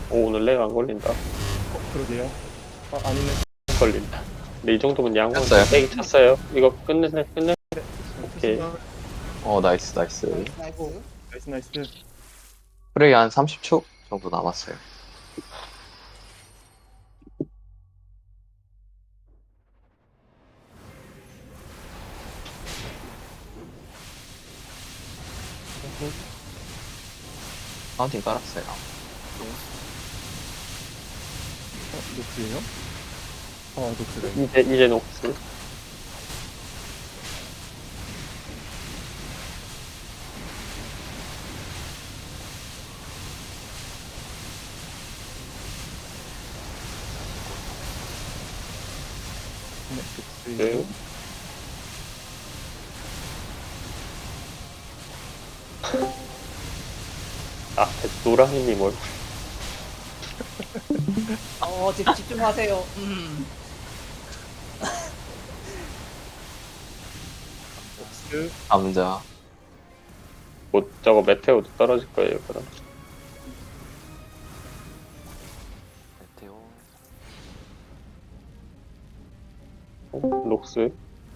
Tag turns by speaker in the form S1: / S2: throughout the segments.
S1: 오, 오늘 렉 안 걸린다.
S2: 그러게요. 아니네.
S1: 걸린다. 근데 이 정도면 양호한
S3: 찼어요?
S1: 렉이 찼어요. 이거 끝내. 오케이.
S3: 나이스.
S4: 나이스 나이스.
S2: 나이스.
S3: 프레이 한 30초 정도 남았어요. 파운틴 깔았어요.
S2: 녹스예요? 녹스네.
S1: 이제 녹스.
S2: 녹스예요.
S1: 아, 노랑이님 얼굴.
S4: 집중하세요.
S2: 녹스.
S3: 감자.
S1: 뭐, 저거 메테오도 떨어질 거예요, 그럼.
S5: 메테오.
S1: 녹스.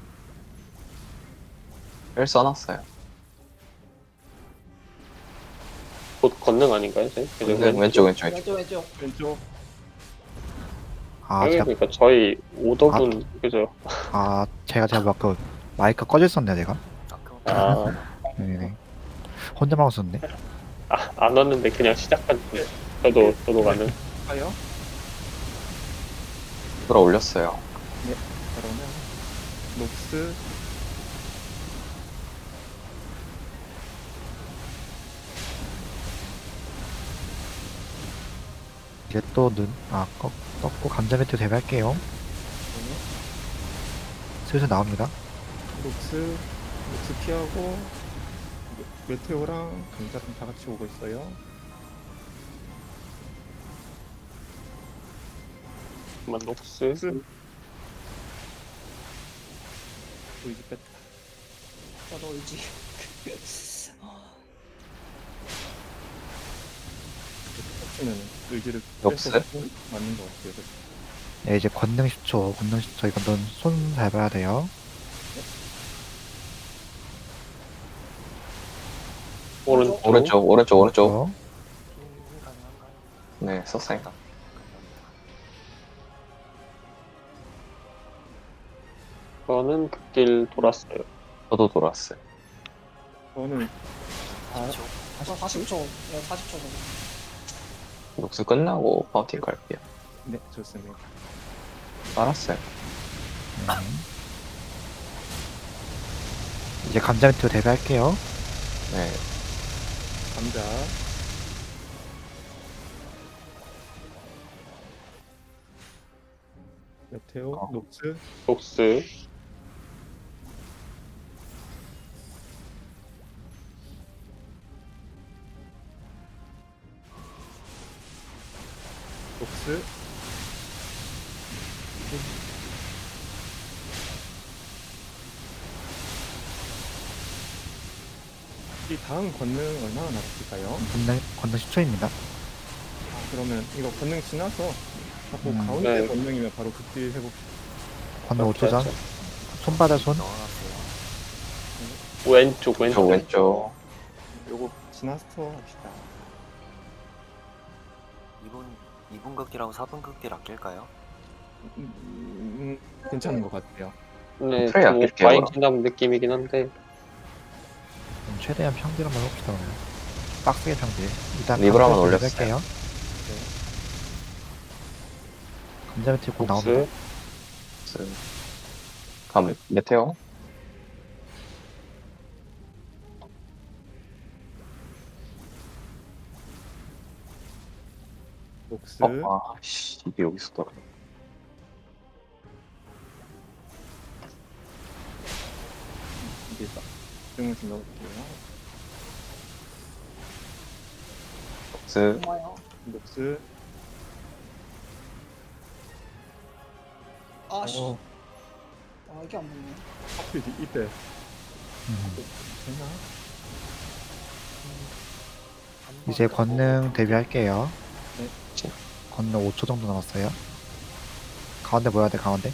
S3: 뺄 써놨어요.
S1: 곧 건능 아닌가요, 쟤? 그죠?
S3: 왼쪽.
S2: 왼쪽.
S6: 아, 제가,
S1: 그러니까 저희 오더분, 그죠?
S6: 제가 막 그 마이크 꺼져 있었네, 내가.
S1: 아,
S6: 네네. 혼자만 웃었네.
S1: 안 왔는데 그냥 시작한 중. 저도 가는.
S2: 가요.
S3: 들어 올렸어요.
S2: 그러면 녹스.
S6: 이제 또 꺾고 감자 매트 대비할게요. 슬슬 나옵니다.
S2: 녹스 피하고 메테오랑 감자랑 다 같이 오고 있어요.
S1: 잠깐만, 녹스.
S2: 녹스. 보이지 뺐다.
S4: 저도 의지.
S2: 면 의지를
S3: 녹스?
S2: 빼서 맞는 것 같아요.
S6: 네, 이제 권능 10초, 이거 넌 손 잘 봐야 돼요.
S3: 오른쪽.
S6: 어,
S3: 네, 썼어요.
S1: 저는 그 길 돌았어요.
S3: 저도 돌아왔어요.
S2: 저는
S4: 40초. 네, 40초.
S3: 녹스 끝나고 파운틴 갈게요.
S2: 네 좋습니다.
S3: 깔았어요.
S6: 이제 감자 매트 대비할게요.
S3: 네,
S2: 감자. 메테오. 녹스.
S1: 녹스.
S2: 녹스. 이 다음 권능 얼마나 남았을까요?
S6: 권능 10초입니다.
S2: 그러면 이거 권능 지나서 자꾸 가운데
S1: 네.
S2: 권능이면 바로 극딜 해봅시다.
S6: 권능 5초 전. 손바닥 손.
S5: 넣어놨어요.
S1: 왼쪽.
S2: 요거 지나서 합시다.
S5: 2분 극딜하고 4분 극딜 아낄까요?
S2: 괜찮은 것 같아요.
S1: 네,
S3: 트레이
S1: 좀
S3: 아낄게요,
S1: 많이
S3: 그럼.
S1: 지나는 느낌이긴 한데.
S6: 최대한 평딜 한번 해봅시다, 오늘. 빡세게 평딜. 일단
S3: 립을
S6: 감자
S3: 한번
S6: 매트
S3: 올렸어요.
S6: 대비할게요. 감자 매트 곧 나옵니다.
S1: 녹스.
S3: 메테오.
S2: 녹스.
S3: 이게 여기서 떨어.
S2: 이게 집중을 좀 넣을게요.
S3: 녹스.
S4: 고마워요.
S2: 녹스.
S4: 아씨.
S2: 어,
S4: 이게 안 맞네.
S2: 하필 이때 되나?
S6: 이제 권능 대비할게요.
S3: 진
S6: 건능 5초 정도 남았어요. 가운데 모여야 돼, 가운데.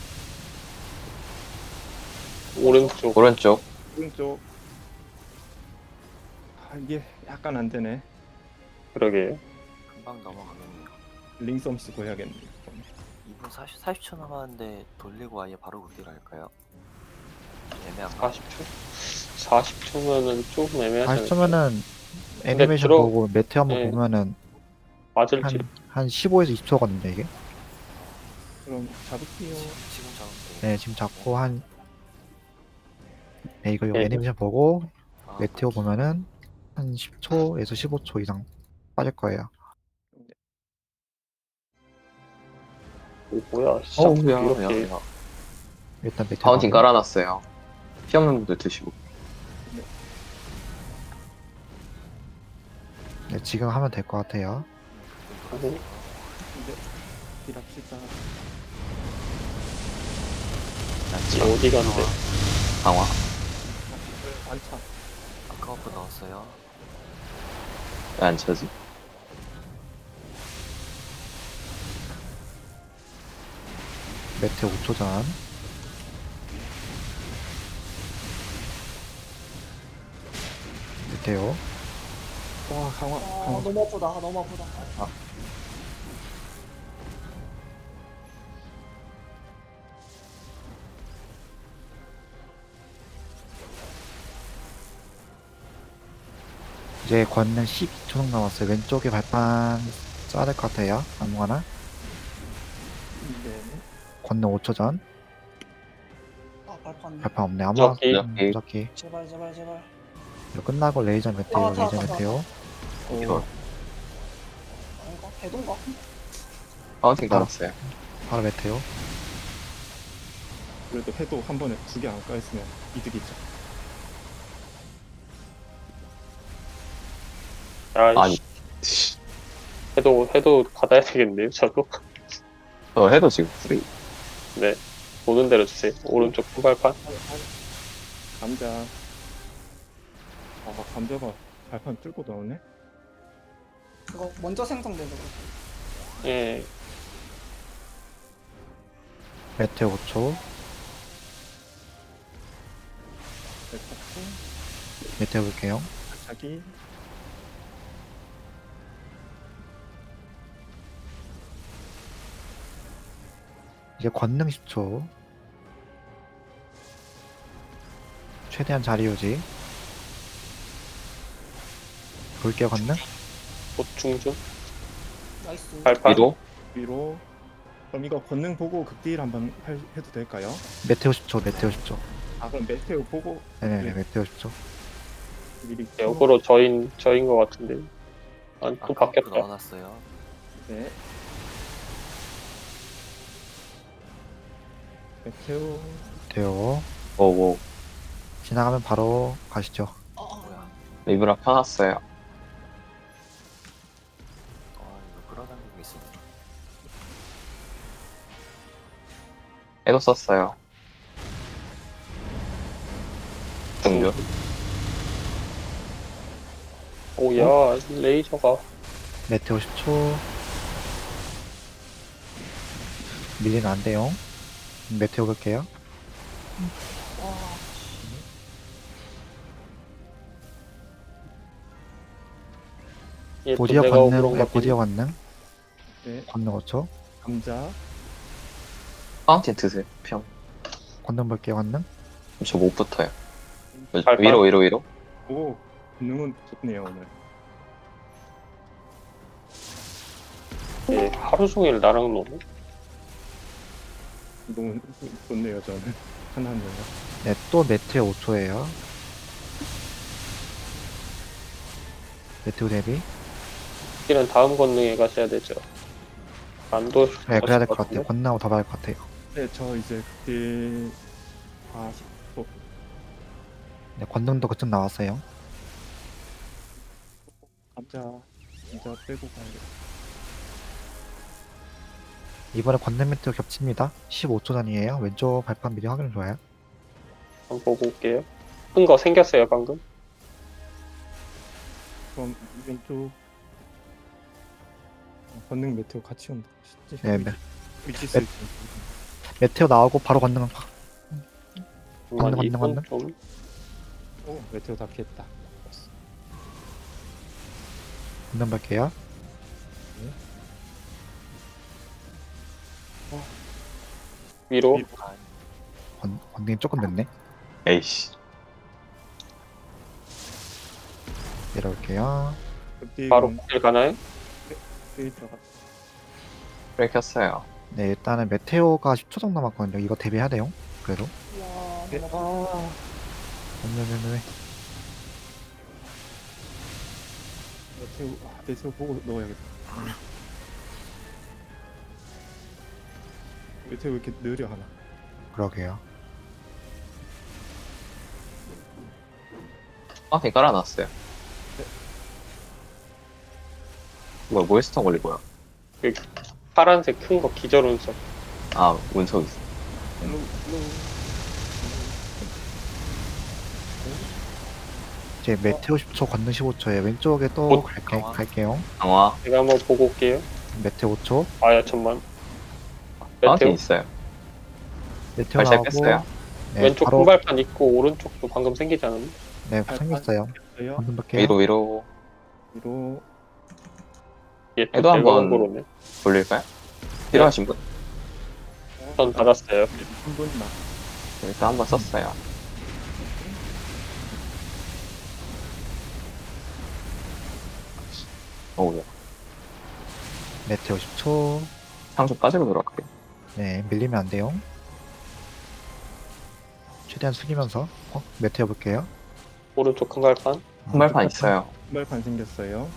S1: 오른쪽.
S3: 오른쪽.
S2: 오른쪽. 아, 이게 약간 안 되네.
S1: 그러게요.
S5: 금방 넘어가겠네요.
S2: 링썸 쓰고 해야겠네. 이건.
S5: 2분 40초 남았는데 돌리고 아예 바로 극딜 할까요? 애매한가?
S1: 40초? 40초면은 조금 애매하지 않을까요?
S6: 40초면은 애니메이션
S1: 들어-
S6: 보고 매트 한번
S1: 네.
S6: 보면은
S1: 맞을지.
S6: 한 15에서 20초거든요, 이게.
S2: 그럼 잡을게요.
S5: 지금 잡으면 돼요.
S6: 네, 지금 잡고 한 네, 이거
S1: 네.
S6: 애니메이션 보고
S5: 아,
S6: 메테오 보면은 한 10초에서 15초 이상 빠질 거예요.
S1: 오, 뭐야. 시작
S3: 어우야.
S1: 이렇게.
S3: 야.
S6: 일단 메테오
S3: 파운틴
S6: 가고.
S3: 깔아놨어요. 피 없는 분들 드시고.
S6: 네, 지금 하면 될 것 같아요.
S1: 하고,
S2: 근데 딜합시다.
S1: 이제 어디 간대.
S3: 강화.
S2: 안차.
S5: 아까 버프 넣었어요.
S3: 왜 안 쳐지?
S6: 메테오 5초 전. 메테오.
S2: 와 강화.
S4: 아
S2: 강화.
S4: 너무 아프다. 너무 아프다.
S6: 이제 권능 12초 정도 남았어요. 왼쪽에 발판 써야 될 것 같아요. 아무거나.
S2: 네.
S6: 권능 5초 전.
S4: 아 발판.
S6: 발판 없네. 아무거나.
S1: 무적기.
S6: 무적기.
S4: 제발 제발 제발.
S6: 이거 끝나고 레이저 메테오,
S4: 아, 다,
S6: 레이저
S4: 다, 다.
S6: 메테오.
S3: 이거.
S4: 아닌가? 배도인가?
S3: 파운틴 깔았어요.
S6: 바로 메테오.
S2: 그래도 해도 한 번에 2개 안 까였으면 이득이죠.
S1: 아이씨.
S3: 아니.
S1: 해도 받아야 되겠네요, 저도.
S3: 해도 지금 프리.
S1: 네. 보는 대로 주세요. 오른쪽 후발판.
S2: 감자. 아 감자가 발판 뚫고 나오네.
S4: 그거 먼저 생성돼서 그래.
S1: 예.
S6: 메테오 5초.
S2: 네, 잡고
S6: 메테오 볼게요.
S2: 자기.
S6: 이제 권능 10초. 최대한 자리 유지. 볼게요, 권능.
S1: 보충 중.
S4: 나이스.
S1: 발판.
S3: 위로.
S2: 위로. 그럼 이거 권능 보고 극딜 한번 해도 될까요?
S6: 메테오 10초, 메테오 10초.
S2: 아 그럼 메테오 보고
S6: 네네네,
S2: 네.
S6: 메테오 10초.
S2: 미리.
S1: 역으로 저인 것 같은데. 아니, 또
S5: 아까 버프
S1: 바뀌었다.
S5: 넣어놨어요.
S2: 네. 메테오.
S6: 메테오.
S3: 오오.
S6: 지나가면 바로 가시죠.
S5: 뭐야?
S3: 리브라 펴놨어요.
S5: 이거 끌어당기고 있어.
S3: 해도 썼어요. 등교.
S1: 오야, 레이저가.
S6: 메테오 10초. 밀리면 안 돼요. 메테오 볼게요.
S4: 와.
S1: 예, 또
S6: 보디어
S1: 내가
S6: 권능,
S1: 그런
S6: 네,
S1: 거
S6: 보디어 권능.
S2: 네.
S6: 권능 5초.
S2: 감자.
S3: 파운틴 드세요. 피 없.
S6: 권능 볼게요, 권능.
S3: 저 못 붙어요.
S1: 발판.
S3: 위로.
S2: 오. 권능은 좋네요 오늘.
S1: 예, 하루 종일 나랑 노네.
S2: 너무 좋네요 저는. 하나하나가.
S6: 네, 또 메테오 5초예요. 메테오 대비.
S1: 이는 다음 권능에 가셔야 되죠. 안도.
S6: 네, 그래야 될 것 같아요. 권능하고 더 봐야 할 것 같아요.
S2: 네, 저 이제 극딜 40초.
S6: 네, 권능도 그쯤 나왔어요.
S2: 감자 빼고 가야겠다.
S6: 이번에 권능 메테오 겹칩니다. 15초 전이에요. 왼쪽 발판 미리 확인 좋아요.
S1: 한번 보고 올게요. 큰 거 생겼어요, 방금.
S2: 그럼 왼쪽 권능 메테오 같이 온다. 진짜
S6: 네, 네.
S2: 위치 쓸 때.
S6: 메테오 나오고 바로 건능
S1: 잠깐만,
S6: 건능,
S1: 이건
S6: 건능.
S1: 좀
S2: 오, 메테오 다 피했다.
S6: 건능 볼게요.
S1: 위로.
S6: 건능이 조금 늦네.
S3: 에이씨.
S6: 내려올게요.
S2: 극딜
S1: 바로 길 가나요?
S2: 극딜 들어가.
S3: 프레이 켰어요.
S6: 네, 일단은 메테오가 10초 정도 남았거든요. 이거 대비해야 돼요. 그래도.
S4: 와,
S2: 네.
S4: 너무
S2: 아,
S6: 네.
S2: 메테오 보고 넣어야겠다. 메테오 왜 이렇게 느려 하나?
S6: 그러게요.
S3: 파운틴 깔아놨어요. 뭐야, 모이스턴 걸린 거야?
S1: 파란색 큰 거 기절 운석.
S3: 아, 운석 있어.
S6: 이제 메테오 10초, 건능 15초에 왼쪽에 또
S1: 곧
S6: 갈게요.
S3: 강화.
S1: 제가 한번 보고 올게요.
S6: 메테오 5초.
S1: 아야 천만.
S3: 파운틴
S1: 메테오
S3: 있어요.
S6: 메테오
S3: 발샷
S6: 나오고.
S3: 깼어요.
S6: 네,
S1: 왼쪽
S6: 바로
S1: 큰발판 있고 오른쪽도 방금 생기지 않았나?
S6: 네, 생겼어요.
S2: 있어요.
S6: 건능 볼게요.
S3: 위로
S2: 위로
S1: 얘또
S3: 해도 한번-
S1: 대각으로네.
S3: 돌릴까요? 필요하신 분?
S1: 전 받았어요.
S2: 한 분만.
S3: 일단 한번 썼어요. 어우야.
S6: 메테오 10초.
S3: 상수 빠지고 들어갈게요.
S6: 네, 밀리면 안 돼요. 최대한 숙이면서 메테오 볼게요.
S1: 오른쪽 큰발판.
S3: 한발판 있어요.
S2: 신발판 생겼어요.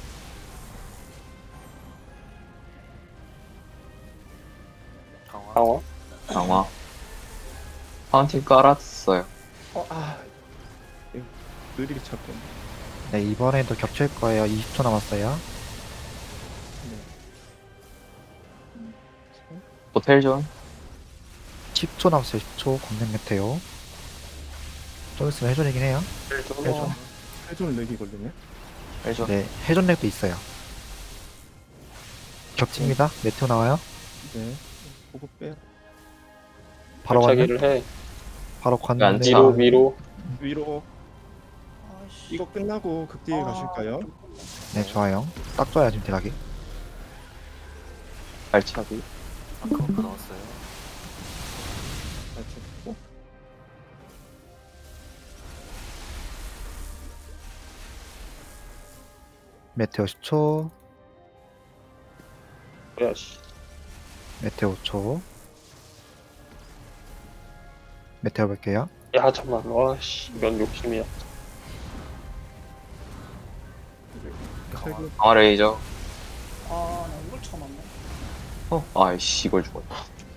S5: 강화.
S1: 강화.
S3: 강화. 파운틴 깔았어요.
S2: 이거 느리게 찾고.
S6: 네, 이번에도 겹칠 거예요. 20초 남았어요.
S3: 호텔 존.
S6: 10초 남았어요. 10초. 건능 메테오. 좀 있으면 해존이긴 해요. 해존.
S2: 해존을 내기 걸리네.
S3: 호텔 존.
S6: 네, 해존렉도 있어요. 겹칩니다. 메테오 나와요.
S2: 네. 보고 빼.
S6: 바로 건능.
S1: 발차기를 해.
S6: 바로
S3: 안
S6: 건능.
S3: 차.
S1: 위로 위로.
S2: 위로
S4: 아이씨.
S2: 이거 끝나고 극딜 가실까요?
S6: 네, 좋아요. 딱 좋아요, 지금 대각이.
S3: 발차기.
S5: 아까부터 넣었어요.
S2: 잘 쳤고.
S6: 메테오 10초.
S1: 뭐야 씨.
S6: 메테오 5초. 메테오 볼게요.
S1: 야 잠만. 와씨. 이건 욕심이야.
S2: 최고
S3: 강화 레이저.
S4: 아, 나 이걸 처음 왔네.
S3: 아이씨, 이걸 죽었다.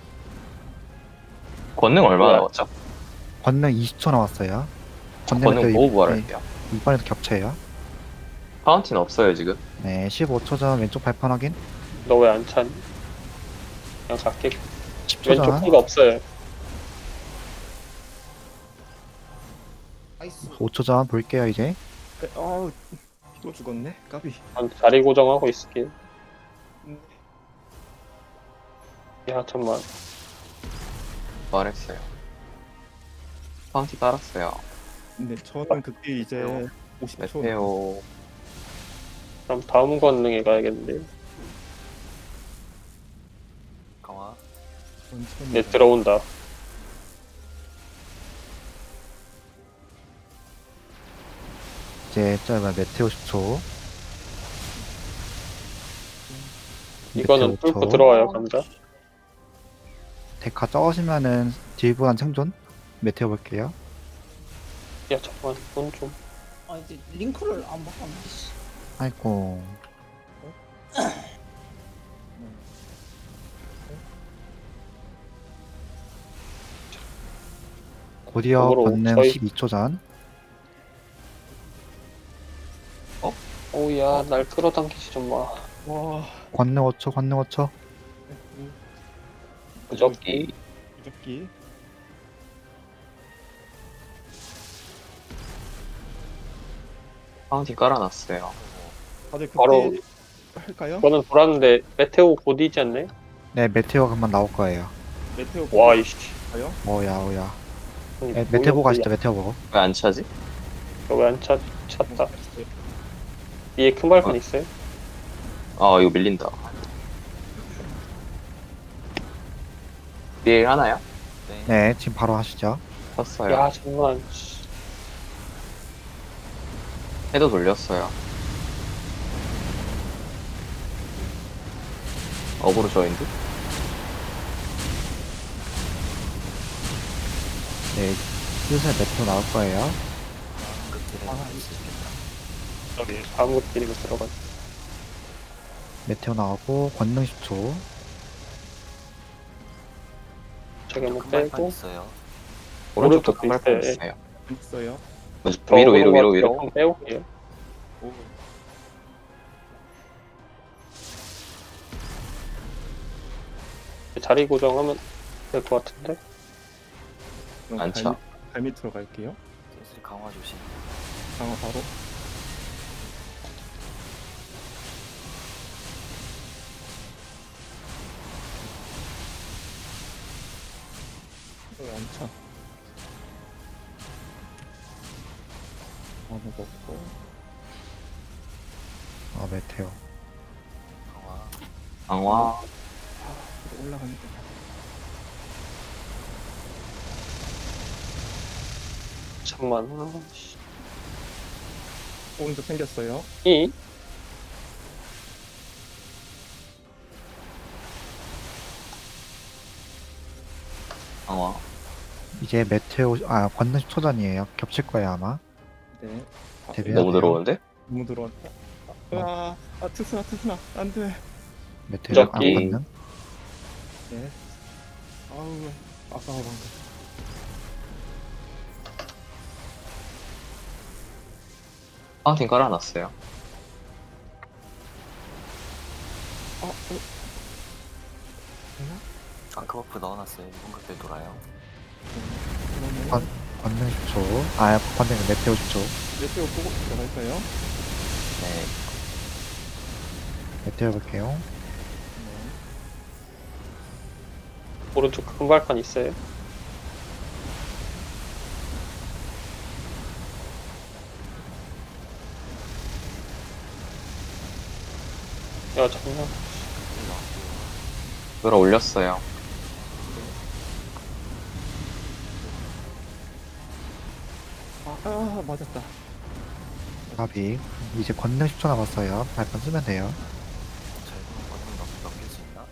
S3: 권능 얼마나
S1: 뭐야?
S3: 남았죠?
S6: 권능 20초 남았어요.
S3: 권능
S6: 메테오
S3: 보고 부활할게요.
S6: 이번에도 겹쳐요.
S3: 파운틴 없어요, 지금.
S6: 네, 15초 전 왼쪽 발판 확인.
S1: 너 왜 안 찬? 그냥 갈게.
S6: 10초
S1: 왼쪽
S6: 전
S1: 큰 거 없어요.
S4: 나이스.
S6: 5초 전 볼게요, 이제.
S2: 또 죽었네. 까비.
S1: 전 자리 고정하고 있을게요. 야 잠만.
S3: 부활했어요. 파운틴 깔았어요.
S2: 네, 저는 극딜 이제 50초.
S3: 메테오.
S1: 그럼 다음 권능에 가야겠는데.
S5: 강화.
S2: 천천히.
S1: 네 들어온다.
S6: 이제 짧아 메테오 10초.
S1: 이거는
S6: 메테오
S1: 뚫고
S6: 5초.
S1: 들어와요 감자.
S6: 데카 적으시면은 딜보단 생존. 메테오 볼게요.
S1: 야 잠만. 이건 좀.
S4: 아, 이제 링크를 안 바꿨네. 씨.
S6: 아이고. 곧이어
S1: 거꾸로
S6: 권능
S1: 저희-
S6: 12초 전.
S1: 오야 날 끌어당기지 좀 마.
S2: 와.
S6: 권능 5초, 권능 5초.
S1: 무적기.
S2: 무적기.
S3: 파운틴 깔아놨어요.
S2: 다들 극딜
S1: 바로
S2: 할까요?
S1: 이거는 돌았는데 메테오 곧이지 않네?
S6: 네, 메테오가 금방 나올 거예요.
S2: 메테오
S1: 와 이씨.
S2: 볼까요?
S6: 오야, 오야.
S1: 아니,
S6: 네, 메테오 보고
S1: 뭐야,
S6: 가시죠, 메테오 보고.
S3: 왜 안 차지?
S1: 왜안 찼다. 위에 큰 발판 있어요?
S3: 아 이거 밀린다. 비에 하나요?
S5: 네.
S6: 네, 지금 바로 하시죠.
S3: 쳤어요.
S1: 야 잠만. 씨.
S3: 해도 돌렸어요. 어그로 저인드?
S6: 네, 슬슬 메테오 나올 거예요.
S5: 극딜에
S2: 아,
S5: 할수 있겠다.
S1: 저기 아무 길이면 들어가.
S6: 메테오 나오고, 권능 10초.
S1: 저기 한번
S5: 큰 발판
S1: 빼고.
S5: 있어요.
S3: 오른쪽도
S1: 오른쪽도
S3: 큰 발판
S1: 있어요.
S3: 있어요.
S2: 있어요.
S1: 저
S3: 위로
S1: 오른 거 같아요.
S3: 위로.
S1: 한번 빼올게요.
S2: 오.
S1: 자리 고정하면 될 것 같은데.
S2: 그럼
S3: 안 차.
S2: 발 밑으로 갈게요.
S5: 슬슬 강화 조심.
S2: 강화 바로. 왜안 차? 아무 먹고.
S6: 아, 메테오.
S5: 강화.
S3: 강화.
S2: 올라가니까.
S1: 잠만. 아, 씨.
S2: 오른쪽 생겼어요.
S1: 이
S3: 강화.
S6: 이제 메테오, 권능 10초 전이에요. 겹칠 거예요, 아마.
S2: 네. 아,
S6: 데뷔해야
S3: 너무
S6: 돼요.
S3: 들어오는데?
S2: 너무 들어왔다. 트스나. 안 돼.
S6: 메테오,
S1: 무적기.
S6: 권능.
S2: 네. 아우, 아까워 방금.
S3: 파운틴 깔아놨어요.
S2: 되나?
S5: 앙크버프 넣어놨어요. 1분 극딜 돌아요.
S2: 그러면
S6: 권능 10초. 권능 메테오 10초.
S2: 메테오 보고 들어갈까요?
S3: 네.
S6: 메테오 볼게요.
S2: 네.
S1: 오른쪽 큰 발판 있어요. 야 잠만.
S5: 극딜 넣을게요.
S3: 끌어 올렸어요.
S2: 맞았다.
S6: 가비. 이제 권능 10초 남았어요. 발판 쓰면 돼요.
S5: 저희는 권능 넘길 수 있나?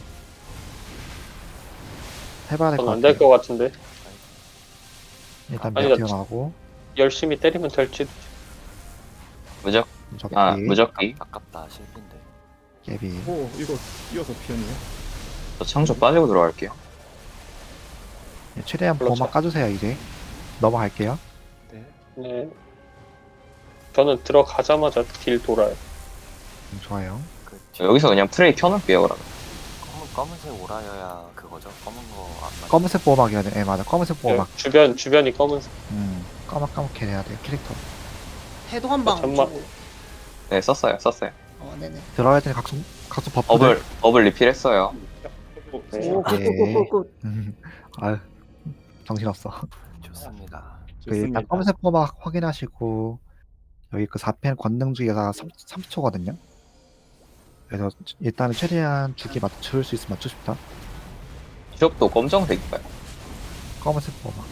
S6: 해봐야 될 것
S1: 전 안 될
S6: 같아요.
S1: 것 같은데.
S6: 일단
S1: 아니,
S6: 메테오
S1: 나-
S6: 나오고.
S1: 열심히 때리면 될지.
S3: 무적.
S6: 무적기.
S3: 무적기.
S5: 아깝다. 실패인데.
S6: 깨비.
S2: 오, 이거 이어서 피었네요.
S3: 저 창조 빠지고 들어갈게요.
S6: 네, 최대한
S1: 그렇죠.
S6: 보호막 까주세요, 이제. 넘어갈게요.
S2: 네.
S1: 네. 저는 들어가자마자 딜 돌아요.
S6: 좋아요.
S5: 그
S3: 여기서 그냥 프레이 켜놓을게요, 그러면.
S5: 검은색 오라여야 그거죠? 검은 거 안 맞아.
S6: 검은색 보호막이야 돼. 네, 맞아. 검은색 보호막.
S1: 주변이 검은색.
S6: 까맣게 해야 돼요, 캐릭터.
S4: 해도 한방
S1: 잠만.
S4: 주고.
S3: 네, 썼어요.
S4: 네네.
S6: 들어갈 때는 각수 버프들.
S3: 버블 리필했어요.
S1: 네.
S4: 오,
S6: 네.
S4: 굿굿굿굿.
S6: 아유, 정신없어.
S5: 좋습니다.
S6: 그 일단 검은색 보호막 확인하시고, 여기 그 4펜 권능 주기가 30초거든요. 그래서 일단은 최대한 주기 맞출 수 있으면 맞추십니다.
S3: 지역도 검정색인가요?
S6: 검은색 보호막.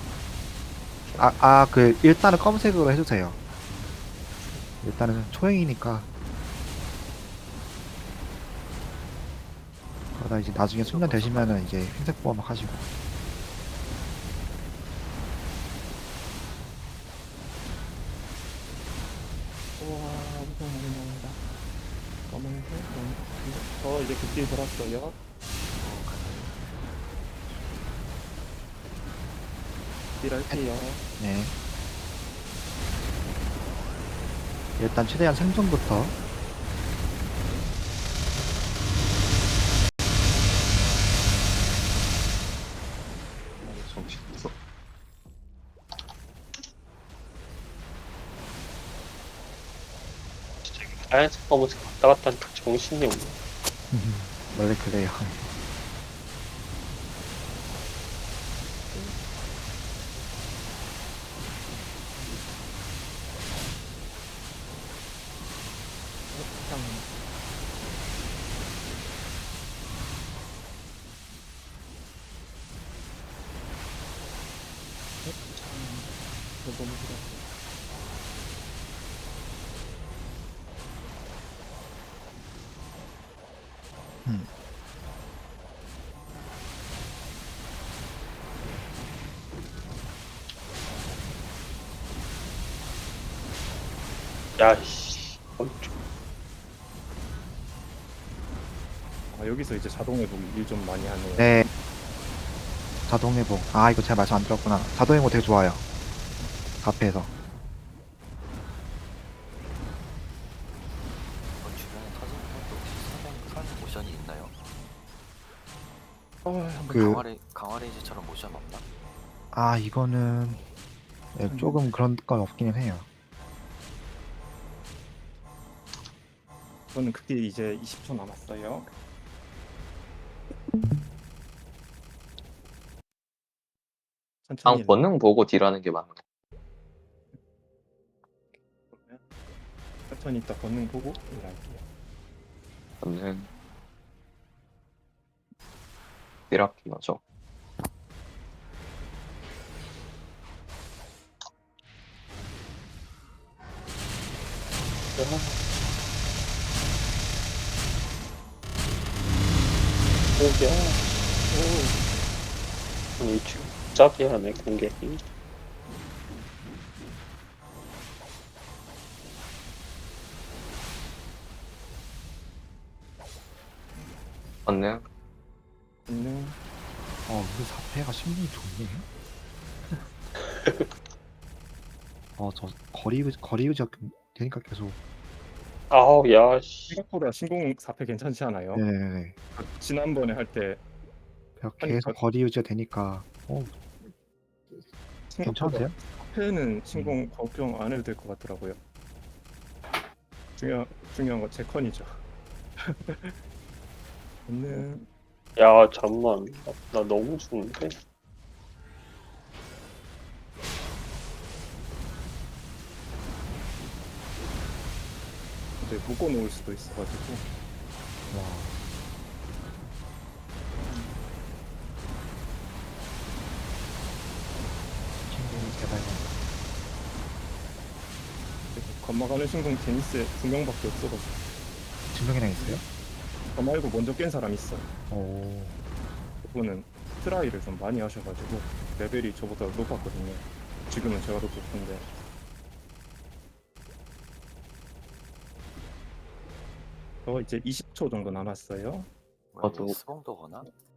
S6: 일단은 검은색으로 해주세요. 일단은 초행이니까. 그러다 이제 나중에 숙련 되시면은 이제 흰색 보호막 하시고.
S2: 우와, 엄청 많이 나온다. 검은색, 검은색. 이제 극딜 돌았어요. 딜할게요.
S6: 네. 일단 최대한 생존부터.
S3: 정신없어.
S1: 하얀색 검은색 왔다 갔다 하니까 정신이 없네.
S6: 원래 그래요.
S2: 그냥 이거 너무 싫어.
S1: 야이씨.
S2: 아, 여기서 이제 자동 회복이 일 좀 많이 하네요.
S6: 네. 자동 회복. 아, 이거 제가 말씀 안 들었구나. 자동 회복 되게 좋아요. 카페에서.
S5: 이번 주변에 터지는 것도 혹시 사전 모션이 있나요?
S2: 한번
S6: 그-
S5: 강화레이즈처럼 모션 없나?
S6: 아, 이거는 네, 조금 그런 건 없기는 해요.
S2: 저는 그게 이제 20초 남았어요. 천천히
S3: 방 권능 보고 딜하는 게 맞는 거.
S2: 천천히 이따 권능 보고 일할게요.
S3: 권능 딜하기 맞죠?
S1: 오야. 오. 아니 갑자기 하네 공격이.
S3: 권능
S2: 권능
S6: 우리 4패가 심리 좋네. 저 거리 유지가 되니까 계속.
S1: 아우 야씨.
S2: 생각보다 신공 4패 괜찮지 않아요?
S6: 네네네.
S2: 지난번에 할 때
S6: 계속 거리 유지가 되니까. 괜찮은데요?
S2: 4패는 신공 걱정 안 해도 될 것 같더라고요. 중요한 건 제 컨이죠. 권능
S1: 야 잠만. 나 너무 죽는데.
S2: 이제 묶어놓을 수도 있어가지고
S6: 와. 친구는 제발.
S2: 건너가는 신공 제니스 2명밖에 없어가지고
S6: 증명이랑 있어요?
S2: 저 말고 먼저 깬 사람 있어요.
S6: 오.
S2: 그분은 트라이를 좀 많이 하셔가지고 레벨이 저보다 높았거든요. 지금은 제가 더 높은데 저 이제 20초 정도 남았어요.
S5: 뭐야,
S3: 저도-
S5: 이게 스봉도 거나?